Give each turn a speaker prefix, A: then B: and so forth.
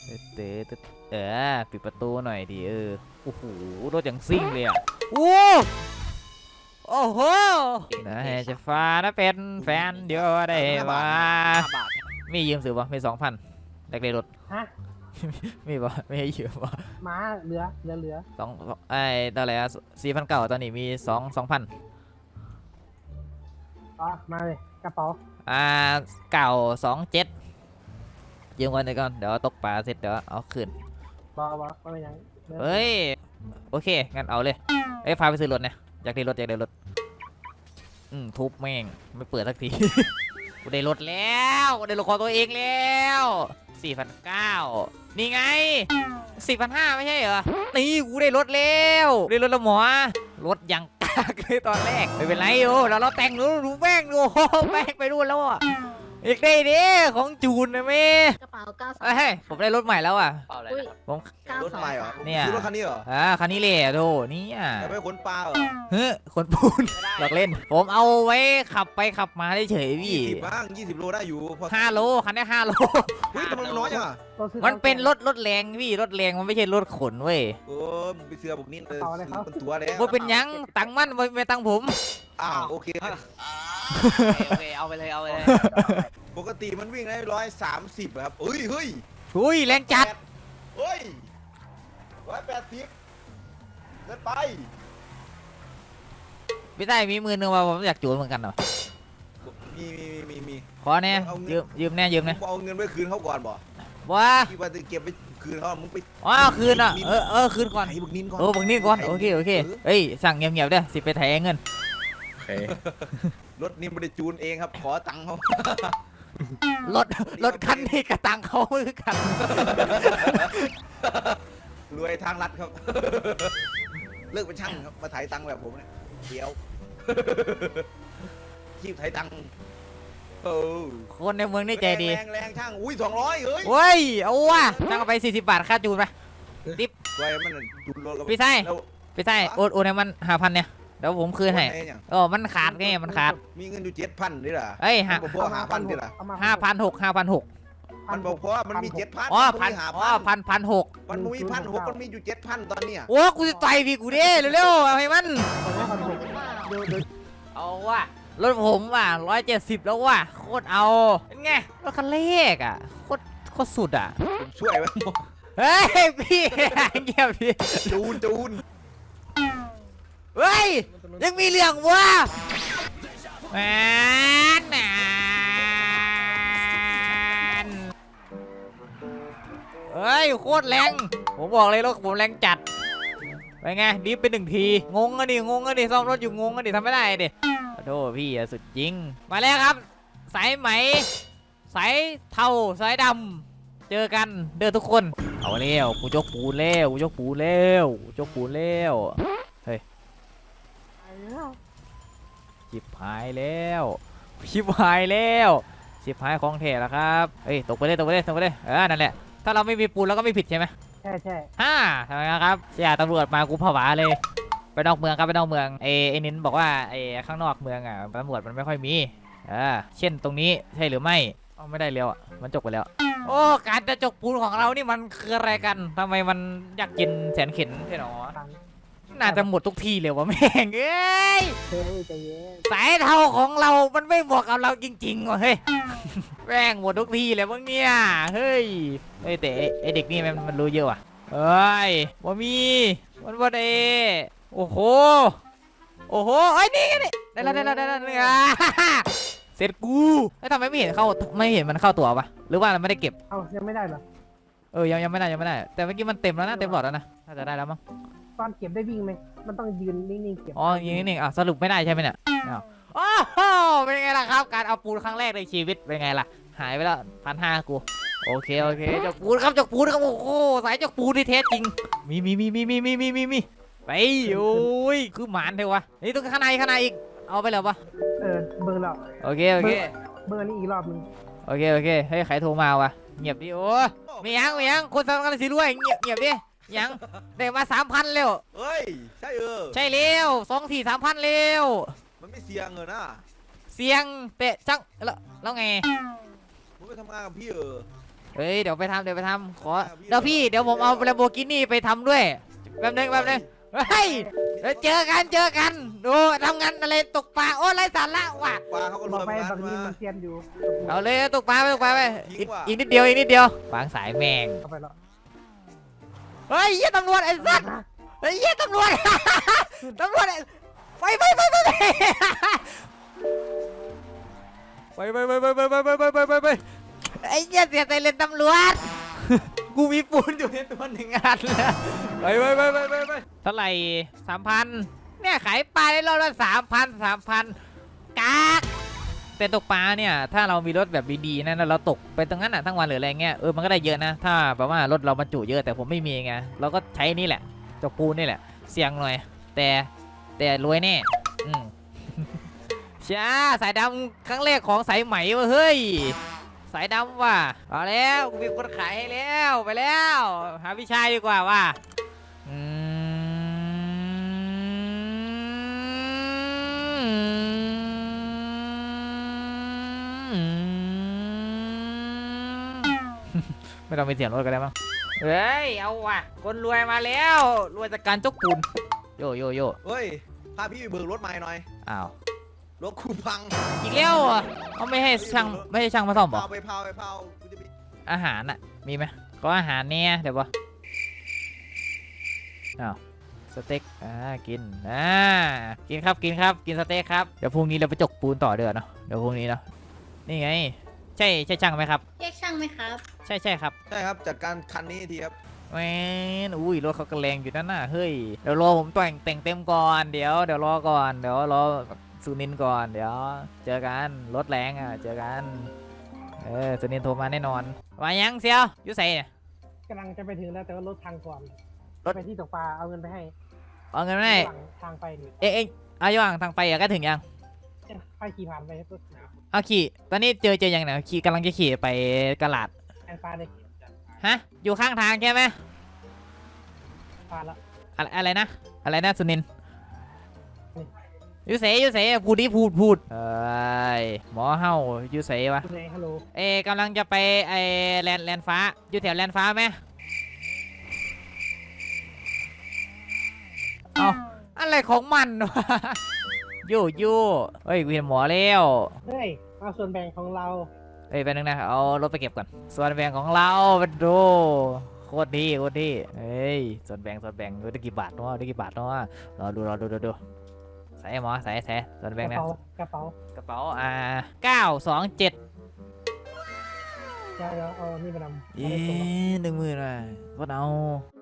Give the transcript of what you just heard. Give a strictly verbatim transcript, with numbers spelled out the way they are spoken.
A: เตะเออปิดประตูหน่อยดิเออโอ้โหรถอย่างซิ่งเลยอ่ะโอ้โอ้โหนะจะฟ้านะเป็นแฟนเดี๋ยวได้ว่ามียืมซื้อป่ะมีสองพันแลกเลยรถ
B: ฮะ
A: มีป่ะไม่ให้ยืมป่ะ
B: ม้าเหลือเหลือเหลือ
A: สองไอ้ตอนไหนอะสี่พันเก่าตอนนี้มีสองสองพัน
B: อ๋อมาเลยกระเป๋า
A: อ่าเก่าสองเจ็ดยืมก่อนเดี๋ยวก่อนเดี๋ยวตกปลาเสร็จเดี๋ยวเอาคืน
B: บอบอไม่เป็นยัง
A: เฮ้ยโอเคงั้นเอาเลยเอ้ยพาไปซื้อรถเนี่ยอยากได้รถอยากได้รถอืมทุบแม่งไม่เปิดสักที กูได้รถแล้วกูได้รถของตัวเองแล้วสี่พันเก้านี่ไงสี่พันห้าไม่ใช่เหรอนี่กูได้รถแล้วได้รถแล้วหมอรถยังกากเลยตอนแรกไม่เป็นไรโอ้เราเราแต่งรู้รู้แม่งดูแม่งไปดูแล้วอ่ะอีกได้ดิของจูนนะแม่
C: กระเป๋าเก้าสอง
A: เฮ้ยผมได้รถใหม่แล้วอ่ะ
D: เปล่าอะไร
C: อุ้ย
D: นะครับ
A: ผม
C: เก้าร
D: ถ
C: สอง
D: ใหม่เหรอ
A: เนี่ย
D: ซื้อรถคันนี้เหรอ
A: อ่าคันนี้เลยอะโธ่เนี่ย
D: แต่ไม่ขนปลาเหรอ
A: เฮ้ยคนปูนหลอกเล่น ผมเอาไว้ขับไปขับมาเฉยๆพี่
D: ยี่สิบบ้างยี่สิบโลได้อยู่พอ
A: ห้าโลคันนี้ห้าโล
D: เฮ้ยทำไมมันน้อยจังอ่ะ
B: ตัวซื้อ
A: มันเป็นรถรถแรงพี่รถแรงมันไม่ใช่รถขนเว้ย
D: โอ้มึงไปเสือบุกนิดเลย
B: ต่อเลยครับ
D: มันตัวแล้ว
A: ว่าเป็นหยังตังค์มันไม่ตังค์ผม
D: อ้าวโอเค
E: โอเคเอาไปเลยเอาไปเลย
D: ปกติมันวิ่งได้ร้อยสามสิบครับเฮ้ยเฮ้ย
A: อุ้ยแรงจัด
D: เฮ้ยร้อยแปดสิบเดินไป
A: พี่ได้มีมือหนึงว่าผมอยากจูนเหมือนกันเหรอ
D: มีมีมีมีมี
A: ขอแน่ยืมยืมแน่ยืม
D: มึ
A: แน่
D: งเอาเงินไปคืนเขาก่อนบ่
A: ว้า
D: ที่ว่าจะเก็บไปคืนเขามึงไป
A: อ๋อคืนอ่ะเออเออคืนก่อน
D: ไถบุกนินก่อน
A: โอ้บังนี่ก่อนโอเคโอเคเฮ้ยสั่งเงียบๆเด้อสิไปไถเงิน
D: รถนี่ไม่ได้จูนเองครับขอตังค์เขา
A: รถรถคันนี้กับตังค์เขาคือกัน
D: รวยทางรัฐครับ เลิกเป็นช่างครับมาไถ่ายตังค์แบบผมเนี่ยเดี๋ยว ชีพไถ่ายตังค์โอ้
A: คนในเมืองนี่ใจดี
D: แรงแรงช่างอุ้ยสองร้อยเฮ้ย
A: เว้ยเอาว่ะจ้างเอาไปสี่สิบบาทค่าจูนไปติ๊บ
D: ไว้มันจูนรถแล้ว
A: พี่ไส้
D: แล้ว
A: พี่ไส้โอนโอนให้มันห้าพันเนี่ยเดี๋ยวผมคืนให้
D: โอ้ยเนี่ย
A: โอ้มันขาดไงมันขาด
D: มีเงินอยู่เจ็ดพันนี่เหรอ
A: เอ้ยห้า
D: มันบอกว่าหาพันนี่เหรอ
B: เอม
A: ห้าพันหกห้าพันหก
D: มันบอกว่ามันมีเจ็ดพัน
A: อ๋อพันอ๋อพันพันหก
D: มันมีพันหกมันมีอยู่เจ็ดพันตอนเนี้ย
A: โอ้กูจะต่อยพี่กูดิเร็วๆเอาให้มัน
B: เอาไว้ก่อนผม
C: หรือเปล่า
B: เดี๋ยวเดี๋ยว
A: เอาว่ะรถผมว่ะร้อยเจ็ดสิบแล้วว่ะโคตรเอาเป็นไงรถคันเล็กอ่ะโคตรโคตรสุดอ่ะ
D: ผมช่วยไว้หมด
A: เฮ้ยพี่ เงียบดิ
D: จูนจูน
A: เฮ้ยยังมีเรื่องวะแมนแมนเฮ้ยโคตรแรงผมบอกเลยรถผมแรงจัดไปไงดิฟไปหนึ่งทีงงอะดิงงอะดิซ่อมรถอยู่งงอะดิทำไม่ได้ดิขอโทษพี่อะสุดจริงมาแล้วครับสายไหมสายเทาสายดำเจอกันเด้อทุกคนเอาเร็วกูยกปูนเร็วกูยกปูนเร็วกูยกปูนเร็ว
B: ไปแล้ว
A: ชิบหายแล้วชิบหายแล้วชิบหายของแท้แล้วครับเฮ้ยตกไปเลยตกไปเลยตกไปเลยเออนั่นแหละถ้าเราไม่มีปูนเราก็ไม่ผิดใช่ไหม
B: ใช่ใช่
A: ฮ่าทำไมครับเสียตำรวจมากูผวาเลยไปนอกเมืองครับไปนอกเมืองเอไอ้นินบอกว่าไอ้ข้างนอกเมืองอ่ะตำรวจมันไม่ค่อยมีอ่าเช่นตรงนี้ใช่หรือไม่อ๋อไม่ได้แล้วอ่ะมันจกไปแล้วโอ้การจะจกปูนของเรานี่มันคืออะไรกันทำไมมันอยากกินแสนเข็นใช่หรอ
B: ตังค์
A: น่าจะหมดทุกทีเลยวะแม่งเอ้ย
B: เฮ้ยใจเย็น
A: สายเทาของเรา มันไม่เหมาะกับเราจริงๆว่ะเฮ้ย แม่งหมดทุกทีเลยมั้งเนี่ย เฮ้ย เฮ้ยแต่ไอเด็กนี่มันมันรู้เยอะว่ะเฮ้ยว่ามี มันว่าเดโอ้โห โอ้โหไอ้ยนี่ไงนี่ได้แล้วได้แล้วได้แล้วเนี่ยเสร็จกูไอ้ยทำไมไม่เห็นเข้าไม่เห็นมันเข้าตัวปะหรือว่ามันไม่ได้เก็บ
B: เอายังไม่ได้เหรอ
A: เออ ยังยังไม่ได้ยังไม่ได้ แต่เมื่อกี้มันเต็มแล้วนะเต็มหลอดแล้วนะน่าจะได้แล้วมั้ง
B: ตอนเก็บได้วิ่งไหมมันต้องยืนนิ่งๆเก็บ
A: อ๋ออย่างนี้นี่อ่ะสรุปไม่ได้ใช่ไหมเนี่ยอ้าวโอ้โหเป็นไงล่ะครับ การเอาปูนครั้งแรกในชีวิตเป็นไงล่ะ หายไปแล้วพันห้ากู โอเคโอเคจกปูนครับจกปูนครับโอ้โหสายจกปูนที่แท้จริง มีมีมีมีมีมีมีมีมีไปโอ้ยคือหมานเถอะวะนี่ต้องข้างในข้างในอีก เอาไปแล้วปะ
B: เออเบอร์แล้ว
A: โอเคโอเค
B: เบอร์นี้อีกรอบนึง
A: โอเคโอเคเฮ้ยใครโทรมาวะเงียบดิโอ้ไม่ยังไม่ยังคนสำคัญสิรวยเงียบเงียบดิยังได้มาสามพันเร็ว
D: เฮ้ยใช่เออ
A: ใช่เร็วสองทีสามพันเร็ว
D: มันไม่เสี่ยงเออนะ
A: เสียงเตะจังแล้วแล้วไง
D: มึงไปทำงานกับพี่เออ
A: เฮ้ยเดี๋ยวไปทำเดี๋ยวไปทำขอเดี๋ยวพี่เดี๋ยวผมเอาแลมโบกินี่ไปทำด้วยแป๊บนึงแป๊บนึงเฮ้ยเดี๋ยวเจอกันเจอกันดูทำงานอะไรตกปลาโอ้ไรสาระว่ะ
D: ปลาเขาก็
B: บ
D: ร
B: อก
D: วย
B: ไป
D: เหมือน
B: บาง
D: กัน
B: ที
D: มา
B: มันเซียนอยู่
A: เอาเลยตกปลาไปตกปลาไป
D: ทิ้
A: อี
D: ง
A: ก
D: ว่ะ
A: อีกนิดเดียวอีกนิดเดียววางสายแมง
B: เอาไปแล้ว
A: เฮ้ยเหี้ยตำรวจไอ้สัตว์เฮ้ยเหี้ยตำรวจ ตำรวจไอ้ไปไปไปไปไปไปไปไปไปไปไปไปไปไปไปไอ้เหี้ยเสียใจเลยตำรวจ กูมีปูนอยู่ในตัวหนึ่งอันแล้วไปไปไปไปไปไปเท่าไหร่สามพันเนี่ยขายปลาได้รอบละสามพันสามพันกากแต่ตกปลาเนี่ยถ้าเรามีรถแบบดีๆนะแล้วเราตกไปตรงนั้นอ่ะทั้งวันหรืออะไรเงี้ยเออมันก็ได้เยอะนะถ้าแบบว่ารถเราบรรจุเยอะแต่ผมไม่มีไงเราก็ใช้นี่แหละจกปูนนี่แหละเสี่ยงหน่อยแต่แต่รวยแน่อืม ช้าสายดำครั้งแรกของสายไหมวะเฮ้ยสายดำว่ะเอาแล้วกูมีคนขายให้แล้วไปแล้วหาพี่ชายดีกว่าว่ะอืม ไม่ต้องไปเสียงรถกันแล้วมั้งเฮ้ยเอาว่ะคนรวยมาแล้วรวยจากการจกปูนโยโยโย
D: เฮ้ยพาพี่ไปเบิกรถใหม่หน่อย
A: อ้าว
D: รถคูพัง
A: อีกแล้วเหรอเขาไม่ให้ช่างไม่ให้ช่างมาซ่อมเหรอ
D: เผาไปเผาไปเผากูจะไป
A: อาหารน่ะมีไหมก็อาหารเนี่ยเดี๋ยววะอ้าวสเต็กอ่ากินอ่ากินครับกินครับกินสเต็กครับเดี๋ยวพรุ่งนี้เราไปจกปูนต่อเดือนเนาะเดี๋ยวพรุ่งนี้เนาะนี่ไงใช่ใช่ช่างไหมครับ
C: เรียกช่างไหมครับ
A: ใช่ใช่ครับ
D: ใช่ครับจัดการคันนี้ทีครับ
A: แหมอุ้ยรถเขาก็แรงอยู่นั่นน่ะเฮ้ยเดี๋ยวรอผมแต่งแต่งเต็มก่อนเดี๋ยวเดี๋ยวรอก่อนเดี๋ยวรอสุนินก่อนเดี๋ยวเจอกันรถแรงอ่ะเจอกันเออสุนินโทรมาแน่นอนมายังเซียวอยูใส่เนี่ย
B: กำลังจะไปถึงแล้วแต่ว่ารถทางก่อน
A: รถ
B: ไปที่ตกปลาเอาเงินไปให้
A: เอาเงินมาให้
B: หลังทางไปนี่
A: เอ๊ะเอ๊ะเอาอยู่ห่างทางไปอะก็ถึงยัง
B: ค่อยขี่ผ่านไปรถ
A: เอาขี่ตอนนี้เจอเจอยังไงขี่กำลังจะขี่ไปกะลาด
B: แอนฟ้าเลย
A: ฮะอยู่ข้างทางใช่ไหม
B: ผ่านแล้ว
A: อะไรอะไรนะอะไรนะสุนินอยูเสยอยูเสยพูดดิพูดพูดเอ้ยหมอเฮาอยูเสยวะ
B: คุณเองฮัลโหล
A: เอ๊ะกำลังจะไปไอแลนแลนฟ้าอยู่แถวแลนฟ้าไหมเอาอะไรของมันวะ โย่โย่เฮ้ยกูเห็นหมอแล้ว
B: เฮ้ยเอาส่วนแบ่งของเรา
A: เอ้ยไปบนึงนะเอารถไปเก็บก่อนส่วนแบ่งของเราเป็นดูโคตรดีโคตรดีเฮ้ยส่วนแบ่งส่วนแบ่งได้กี่บาทเนาะได้กี่บาทเนาะรอดูรอดูดูดูใส่หมอใส่ใส่ส่วน
B: ก
A: แบ่ง
B: ระ
A: นะ
B: เป๋ากระเป๋าก
A: ระเป๋าอ่าเก้าสองเจ็ด
B: เดี๋ยวเดี๋ยวเอานี่ไปนำ
A: เอ๊ะหนึ่งหมื่นอ่ะก็เอา